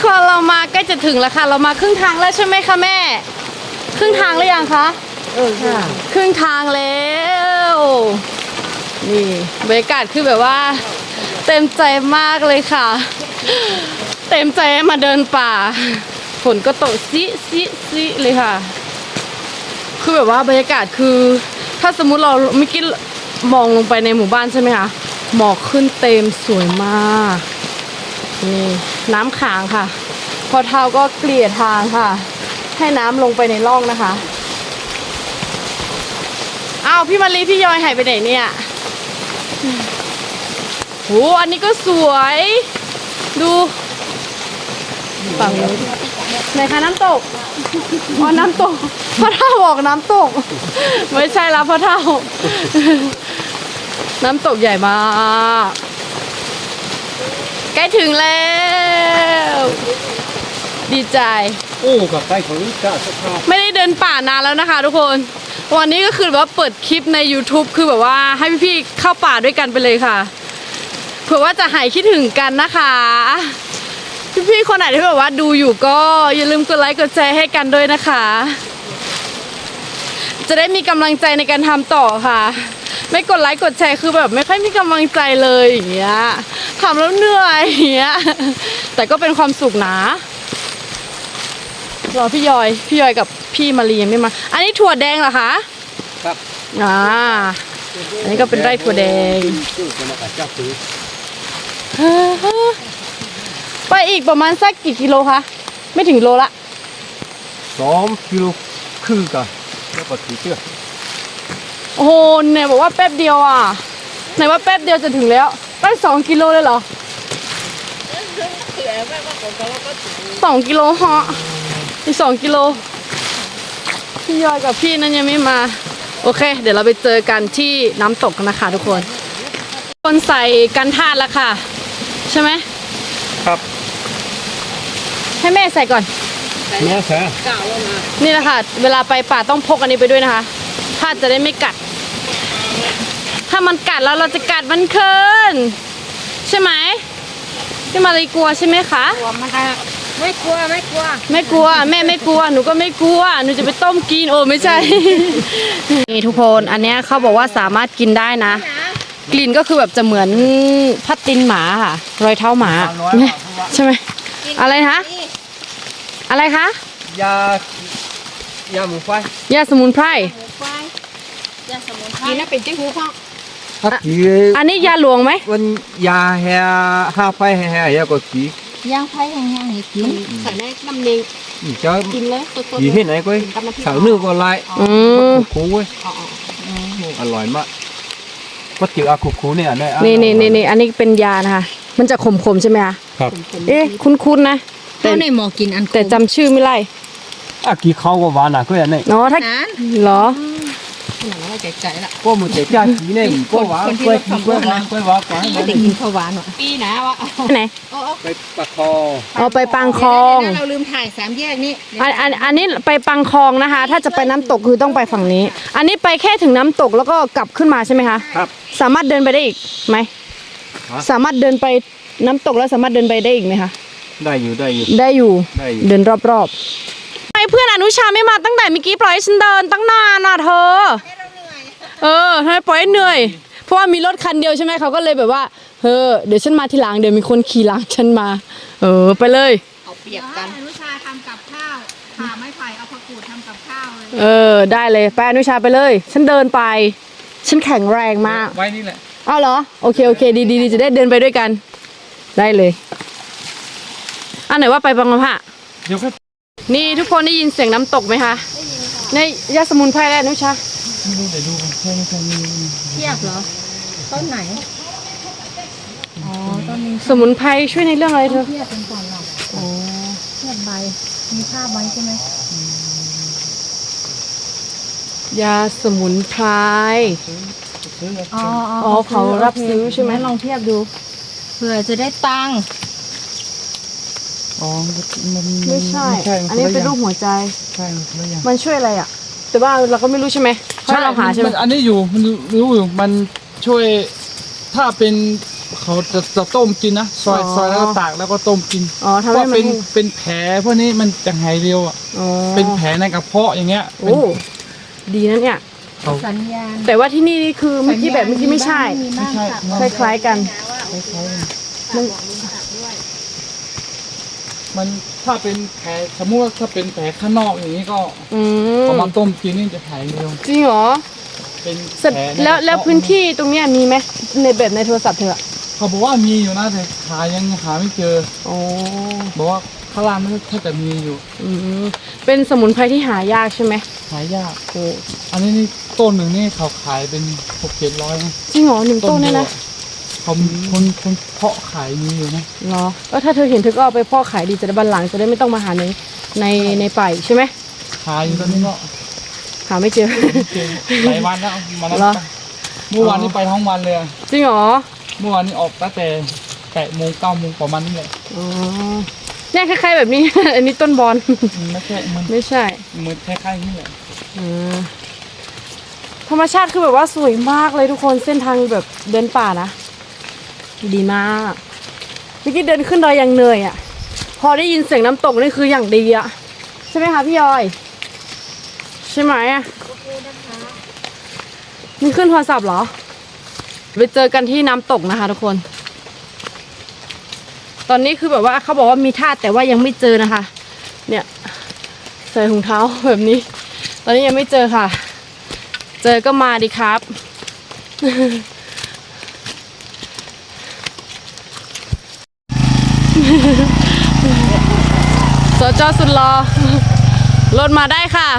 คนเรามาใกล้จะถึงแล้วค่ะเรามาครึ่งทางแล้วใช่ไหมคะแม่ครึ่งทางหรือยังคะค่ะครึ่งทางแล้วนี่บรรยากาศคือแบบว่าเต็มใจมากเลยค่ะเต็มใจมาเดินป่าฝนก็ตกซิเลยค่ะคือแบบว่าบรรยากาศคือถ้าสมมุติเราไม่คิดมองลงไปในหมู่บ้านใช่ไหมคะหมอกขึ้นเต็มสวยมากนี่น้ำค้างค่ะพอเท้าก็เกลี่ยทางค่ะให้น้ำลงไปในร่องนะคะอ้าวพี่มารีพี่ยอยหายไปไหนเนี่ยโหอันนี้ก็สวยดูฝั่งนู้นไหนคะน้ำตกอ๋อน้ำตกพ่อเท่าบอกน้ำตกไม่ใช่แล้วพ่อเท่าน้ำตกใหญ่มากใกล้ถึงแล้วดีใจโอ้กับใกล้ของนี้ก็สภาพไม่ได้เดินป่านานแล้วนะคะทุกคนวันนี้ก็คือแบบว่าเปิดคลิปใน YouTube คือแบบว่าให้พี่ๆเข้าป่าด้วยกันไปเลยค่ะเผื่อว่าจะหายคิดถึงกันนะคะพี่ๆคนไหนที่แบบว่าดูอยู่ก็อย่าลืมกดไลค์กดแชร์ให้กันด้วยนะคะจะได้มีกำลังใจในการทำต่อค่ะไม่กดไลค์กดแชร์คือแบบไม่ค่อยมีกำลังใจเลยอย่างเงี้ยทำแล้วเหนื่อยอย่างเงี้ยแต่ก็เป็นความสุขนะรอพี่ยอยกับพี่มารียังไม่มาอันนี้ถั่วแดงเหรอคะครับอันนี้ก็เป็นไร่ถั่วแดงไปอีกประมาณสักกี่กิโลคะไม่ถึงโลละ 2 กิโลครึ่งกันแล้วก็ถือเชือกโอ้โหเนี่ยบอกว่าแป๊บเดียวอ่ะไหนว่าแป๊บเดียวจะถึงแล้วไป2 กิโลเลยเหรอ2 กิโลฮะอีก2 กิโลพี่ยอยกับพี่นั่นยังไม่มาโอเคเดี๋ยวเราไปเจอกันที่น้ำตกนะคะทุกคนใส่กันธาตุแล้วค่ะใช่ไหมครับให้แม่ใส่ก่อนแม่ใส่นี่แหละค่ะเวลาไปป่าต้องพกอันนี้ไปด้วยนะคะธาตุจะได้ไม่กัดถ้ามันกัดแล้วเราจะกัดมันคืนใช่ไหมพี่มารีกลัวใช่ไหมคะกลัวมันไม่กลัวไม่กลัวแม่ไม่กลัวหนูก็ไม่กลัวหนูจะไปต้มกินโอ้ไม่ใช่ นี่ทุกคนอันนี้เขาบอกว่าสามารถกินได้นะกลิ่นก็คือแบบจะเหมือนพัดตินหมาค่ะรอยเท้าหมาใช่ไหมอะไรคะอะไรคะยาหมูไฟยาสมุนไพรกินแล้วเป็นจิ้งหูพ่ออันนี้ยาหลวงไหมวันยาแห่ห้าไฟแห่ยาก็กีย่างไฟแห้งๆให้กินใส่ในน้ำเนงจะกินเลยกีที่ไหนก็สาวนื้อก็ไล่คูเว้ยอร่อยมากก็จืดอาคูเนี่ยนี่อันนี้เป็นยานะคะมันจะขมใช่ไหมคะครับคุ้นนะแต่ในหมอกินอันแต่จำชื่อไม่ได้กี่เขาก็หวานก็อย่างนี้เนาะถ้าเหรอใจละก็มันจะจ้ากีเนี่ยก็หวานกล้วยหวานไม่ได้กินข้าวหวานหรอปีนะวะไหนไปปักคอเอาไปปังคลองเราลืมถ่าย3 แยกนี้อันนี้ไปปังคลองนะคะถ้าจะไปน้ำตกคือต้องไปฝั่งนี้อันนี้ไปแค่ถึงน้ำตกแล้วก็กลับขึ้นมาใช่ไหมคะครับสามารถเดินไปได้อีกไหมสามารถเดินไปน้ำตกแล้วสามารถเดินไปได้อีกไหมคะได้อยู่เดินรอบๆเพื่อนอนุชาไม่มาตั้งแต่เมื่อกี้ปล่อยให้ฉันเดินตั้งนานน่ะเธอทำไมปล่อยให้เหนื่อยเพราะว่ามีรถคันเดียวใช่ไหมเขาก็เลยแบบว่าเดี๋ยวฉันมาทีหลังเดี๋ยวมีคนขี่หลังฉันมาไปเลยเอาเปรียบกันอนุชาทำกับข้าวผ่าไม้ไผ่เอาผักกูดทำกับข้าวเลยได้เลยไปอนุชาไปเลยฉันเดินไปฉันแข็งแรงมากไว้นี่แหละอ้าวเหรอโอเคดีจะได้เดินไปด้วยกันได้เลยอันไหนว่าไปบังมะพร้าวนี่ทุกคนได้ยินเสียงน้ำตกไหมคะในยาสมุนไพรแล้วนุชาเทียบเหรอต้นไหนต้นนี้สมุนไพรช่วยในเรื่องอะไรเธอเทียบเป็นก่อนหรอเทียบใบมีภาพไว้ใช่ไหมยาสมุนไพรเขารับซื้อใช่ไหมลองเทียบดูเผื่อจะได้ตังค์ไม่ใช่อันนี้เป็นรูปหัวใจใช่มันช่วยอะไรอ่ะแต่ว่าเราก็ไม่รู้ใช่ไหมใช่เราหาใช่ไหมอันนี้อยู่มันรู้อยู่มันช่วยถ้าเป็นเขาจะต้มกินนะซอยแล้วก็ตากแล้วก็ต้มกินอ๋อทำเพให้ราะมันเป็นแผลพวกนี้มันจะหายเร็วอ่ะอ๋อเป็นแผลในกระเพาะอย่างเงี้ยโอ้ดีนะเนี่ยเขาสัญญาณแต่ว่าที่นี่นี่คือเมื่อกี้แบบเมื่อกี้ไม่ใช่ไม่ใช่คล้ายๆกันมันถ้าเป็นแผลสมมติว่าถ้าเป็นแผลข้างนอกอย่างนี้ก็อืมเอามาต้มกินนี่จะหายเร็วจริงเหรอเป็นเสร็จผในแล้วกระเพาะแล้วพื้นที่ตรงเนี้ยมีไหมในแบบในโทรศัพท์เธออะเขาบอกว่ามีอยู่นะแต่ยังหาไม่เจออ๋อบอกว่าข้างล่างนั่นถ้าจะมีอยู่อืมเป็นสมุนไพรที่หายากใช่ไหมหายากโอ้อันนี้นี่ต้นหนึ่งนี่เขาขายเป็น600-700นะจริงเหรอหนึ่งต้นเนี่ยนะเขาคนเพาะขายมีอยู่นะเหรอถ้าเธอเห็นเธอก็เอาไปพ่อขายดีจะได้บันหลังจะได้ไม่ต้องมาหาในป่าใช่ไหมขายอยู่ตอนนี้ก็หาไม่เจอเก่งหลายวันแล้วมาแล้วเหรอเมื่อวานนี้ไปทั้งวันเลยอะจริงเหรอเมื่อวานนี้ออกตั้งแต่8 โมง 9 โมงประมาณนี้แหละอ๋อเนี่ยคล้ายๆแบบนี้ อันนี้ต้นบอลไม่ใช่มันไม่ใช่เหมือนคล้ายๆนี่แหละอ่าธรรมชาติคือแบบว่าสวยมากเลยทุกคนเส้นทางแบบเดินป่านะดีมากเมื่อกี้เดินขึ้นดอยอย่างเหนื่อยอ่ะ พอได้ยินเสียงน้ำตกนี่คืออย่างดีอ่ะใช่ไหมคะพี่ยอยใช่ไหมอ่ะนี่ขึ้นโทรศัพท์เหรอไปเจอกันที่น้ำตกนะคะทุกคน ตอนนี้คือแบบว่าเขาบอกว่ามีท่าแต่ว่ายังไม่เจอนะคะ เนี่ยใส่ถุงเท้าแบบนี้ ตอนนี้ยังไม่เจอค่ะ เจอก็มาดิครับ สจสุดรอรถมาได้ค่ะ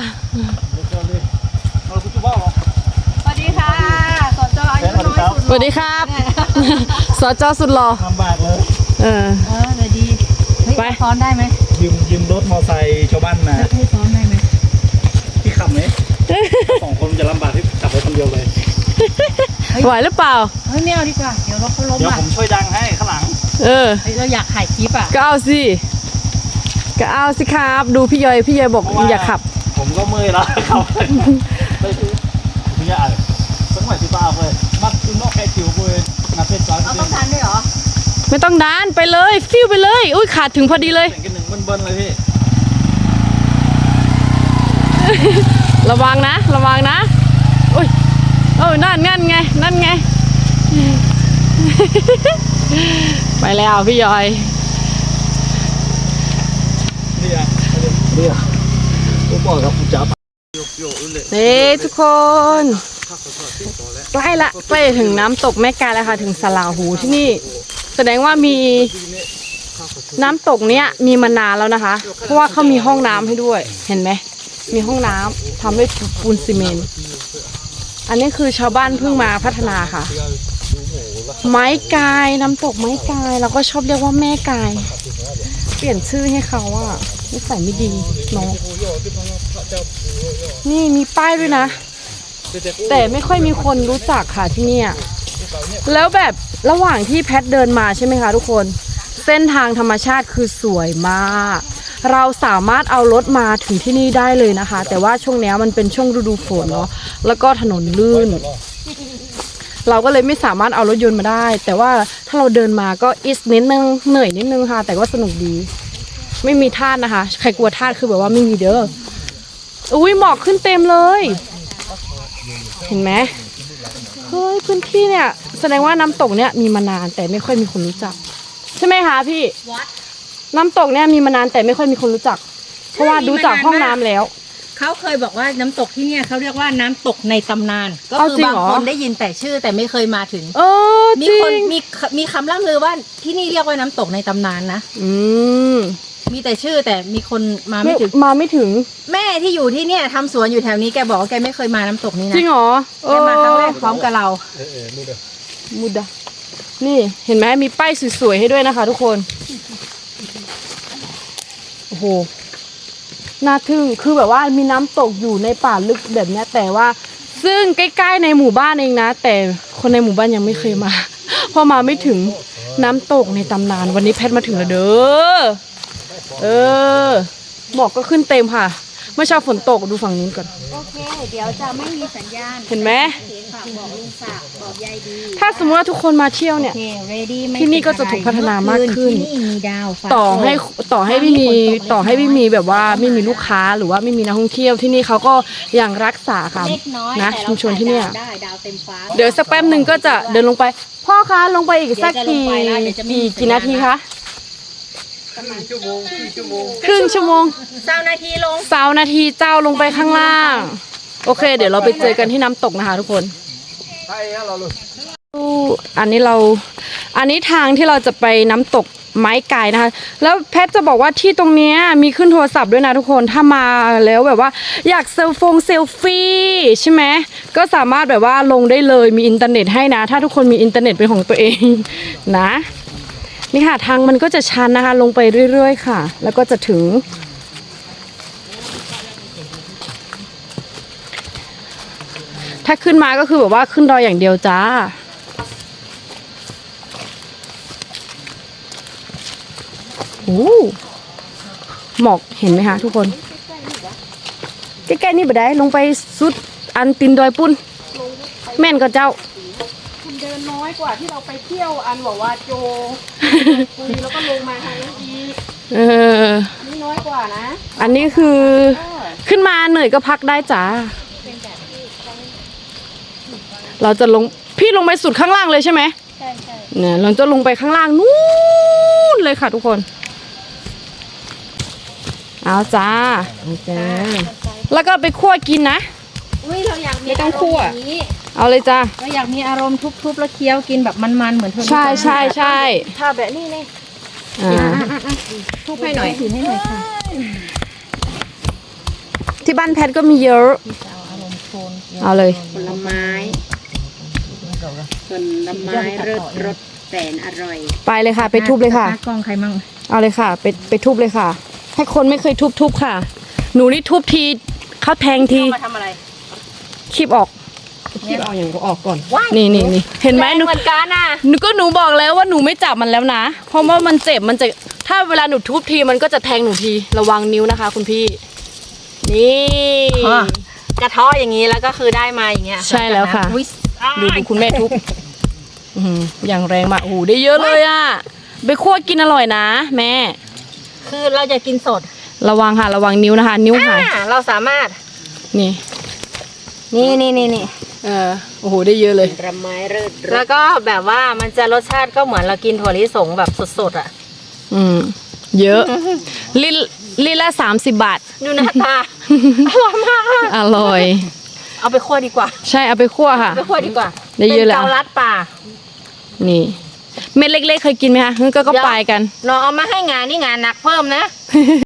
สวัสดีค่ะสจอายุน้อยสุดสวัสดีครับ สจสุดรอลำบากเลยเออเลยดีเฮ้ยไปซ้อนได้ไหมยืมรถมอไซค์ชาวบ้านนะให้ซ้อนได้ไหมพี่ขับไหม 2 คนจะลำบากที่ขับรถคนเดียวเลยไหวหรือเปล่าเฮ้ยไม่เอาดีกว่า เดี๋ยวรถเขาล้มเดี๋ยวอ่ะผมช่วยดังให้ข้างหลังเออเฮ้ยเราอยากถ่ายคลิปอ่ะก็เอาสิก็เอาสิครับ ดูพี่ยอยบอกอย่าขับผมก็เมื่อยแล้วครับพี่ยาสังหวะที่ป้าเลยมัดคุณนอกแค่จิ๋วเลยนับเป็นจ้อยเอาต้องทันด้วยเหรอไม่ต้องดานไปเลยฟิวไปเลย อุ้ยขาดถึงพอดีเลยเสียงกันหนึ่งเบิ้ลๆเลยพี่ระวังนะ ระวังนะอุ้ยโอ้ยนั่นไง ไปแล้วพี่ยอยเนี่ยผมบอกครับผมจะเฮ้ทุกคน ใกล้ละใกล้ถึงน้ำตกแม่กาแล้วค่ะ ถึงสลาหูที่นี่ แสดงว่ามีน้ำตกเนี้ยมีมานานแล้วนะคะ เพราะว่าเขามีห้องน้ำให้ด้วย เห็นไหม มีห้องน้ำทำด้วยปูนซีเมนต์ อันนี้คือชาวบ้านเพิ่งมาพัฒนาค่ะ ไม้กายน้ำตกไม้กายเราก็ชอบเรียกว่าแม่กาย เปลี่ยนชื่อให้เขาอะนิสัยไม่ดีเนาะนี่มีป้ายด้วยนะ แต่ไม่ค่อยมีคนรู้จักค่ะที่เนี่ยแล้วแบบระหว่างที่แพทเดินมาใช่ไหมคะทุกคนเส้นทางธรรมชาติคือสวยมาก เราสามารถเอารถมาถึงที่นี่ได้เลยนะคะ แต่ว่าช่วงนี้มันเป็นช่วงฤดูฝนเนาะแล้วก็ถนนลื่น เราก็เลยไม่สามารถเอารถยนต์มาได้ แต่ว่าถ้าเราเดินมาก็อิสนิดนึงเหนื่อยนิดนึงค่ะ แต่ก็สนุกดี ไม่มีทาสนะคะ ใครกลัวทาสคือแบบว่าไม่มีเด้ออุ้ยหมอกขึ้นเต็มเลย เห็นไหมเฮ้ยพื้นที่เนี่ยแสดงว่าน้ำตกเนี่ยมีมานานแต่ไม่ค่อยมีคนรู้จัก ใช่ไหมคะพี่น้ำตกเนี่ยมีมานานแต่ไม่ค่อยมีคนรู้จัก เพราะว่าดูจากห้องน้ำแล้วเขาเคยบอกว่าน้ำตกที่เนี่ยเขาเรียกว่าน้ำตกในตำนาน ก็เอาคืจริงบางเหรอคนได้ยินแต่ชื่อแต่ไม่เคยมาถึงเออมีจริคนงมีคำล่ำลือว่าที่นี่เรียกว่าน้ำตกในตำนานนะอืมมีแต่ชื่อแต่มีคนมาไม่ถึงมาไม่ถึงแม่ที่อยู่ที่เนี่ยทำสวนอยู่แถวนี้แกบอกว่าแกไม่เคยมาน้ำตกนี้จนะริงเหรอแกมาครั้งแรกพร้อมกับเรามุดะนี่เห็นไหมมีป้ายสวยๆให้ด้วยนะคะ ทุกคนโอ้โหน่าทึ่งคือแบบว่ามีน้ำตกอยู่ในป่าลึกแบบเนี้ยแต่ว่าซึ่งใกล้ๆในหมู่บ้านเองนะ แต่คนในหมู่บ้านยังไม่เคยมา เพราะมาไม่ถึงน้ำตกในตำนาน วันนี้แพทมาถึงแล้วเด้อเออหมอกก็ขึ้นเต็มค่ะเมื่อเช้าฝนตกดูฝั่งนู้นก่อนโอเค เดี๋ยวจะไม่มีสัญญาณเห็นไหมฝากบอกลุงศักดิ์บอกยายดีถ้าสมมติว่าทุกคนมาเที่ยวเนี่ยโอเค ready ไม่ที่นี่ก็จะถูกพัฒนามากขึ้นที่นี่มีดาวฟ้าต่อให้ไม่มีแบบว่าไม่มีลูกค้าหรือว่าไม่มีนักท่องเที่ยวที่นี่เขาก็ยังรักษาค่ะเล็กน้อยนะแต่ชุมชนที่เนี่ยได้ดาวเต็มฟ้าเดี๋ยวสักแป๊บหนึ่งก็จะเดินลงไป พ่อคะลงไปอีกสักเดี๋ยวจะลงไปแล้วเดี๋ยวจะไม่มีกี่นาทีคะชั่วโมงครึ่งชั่วโมง 20 นาทีลงสาวนาทีเจ้าลงไปข้างล่าง โอเค เดี๋ยวเราไปเจอกันที่น้ำตกนะคะทุกคนใช่ฮะเราเลยอันนี้ทางที่เราจะไปน้ำตกไม้ไก่นะคะ แล้วแพทจะบอกว่าที่ตรงเนี้ยมีขึ้นโทรศัพท์ด้วยนะทุกคน ถ้ามาแล้วแบบว่าอยากเซลฟี่ใช่ไหมก็สามารถแบบว่าลงได้เลยมีอินเทอร์เน็ตให้นะ ถ้าทุกคนมีอินเทอร์เน็ตเป็นของตัวเองนะนี่ค่ะทางมันก็จะชันนะคะ ลงไปเรื่อยๆค่ะ แล้วก็จะถึง ถ้าขึ้นมาก็คือแบบว่าขึ้นดอยอย่างเดียวจ้าโอ้หมอกเห็นไหมคะทุกคน ใกล้ๆนี่บ่ได้ลงไปสุดอันตินดอยปุ้น แม่นก็เจ้าคุณเดินน้อยกว่าที่เราไปเที่ยวอันบอกว่าโจคุยแล้วก็ลงมาทางนี้อีกเออนี่น้อยกว่านะอันนี้คือขึ้นมาเหนื่อยก็พักได้จ้า เราจะลงพี่ลงไปสุดข้างล่างเลยใช่ไหมใช่ใช่เนี่ยเราจะลงไปข้างล่างนู้นเลยค่ะทุกคน เอาจ้าเอาจ้าแล้วก็ไปคั่วกินนะอุ้ยเราอยากมีไม่ต้องคั่วอารมณ์อย่างนี้เอาเลยจ้าเราอยากมีอารมณ์ทุบๆแล้วเคี้ยวกินแบบมันๆเหมือนเธอใช่ใช่ใช่ถ้าแบบนี้เลยทุบให้หน่อยถือให้หน่อยค่ะที่บ้านแพทก็มีเยอะเอาอารมณ์โทนเอาเลยผลไม้ผลไม้รสแสนอร่อยไปเลยค่ะ ไปทุบเลยค่ะกล้องใครมั่งเอาเลยค่ะ ไปทุบเลยค่ะ ให้คนไม่เคยทุบค่ะ หนูนี่ทุบทีเขาแทงทีมาทำอะไรคีบออกคีบเอาอย่างก็ออกก่อนนี่เห็นไหมหนูเหมือนกันอ่ะหนูบอกแล้วว่าหนูไม่จับมันแล้วนะ เพราะว่ามันเจ็บมันจะถ้าเวลาหนูทุบทีมันก็จะแทงหนูทีระวังนิ้วนะคะ คุณพี่ นี่กระเทาะอย่างนี้แล้วก็คือได้มาอย่างเงี้ยใช่แล้วค่ะอุ๊ยดูคุณแม่ทุบอื้อหืออย่างแรงมากโอ้โหได้เยอะเลยอ่ะไปคั่วกินอร่อยนะแม่คือเราจะกินสดระวังค่ะระวังนิ้วนะคะ นิ้วหายเราสามารถนี่นี่โอ้โหได้เยอะเลยผลไม้รสแล้วก็แบบว่ามันจะรสชาติก็เหมือนเรากินถั่วลิสงแบบสดๆอ่ะเยอะลิละ30 บาทดูหน้าตา อร่อยมากอร่อยเอาไปคั่วดีกว่าใช่เอาไปคั่วค่ะไปคั่วดีกว่าได้เยอะแล้วป็นเกาลัดป่านี่เม็ดเล็กๆเคยกินไหมคะงั้นก็ไปกันลองเอามาให้งานนี่งานหนักเพิ่มนะ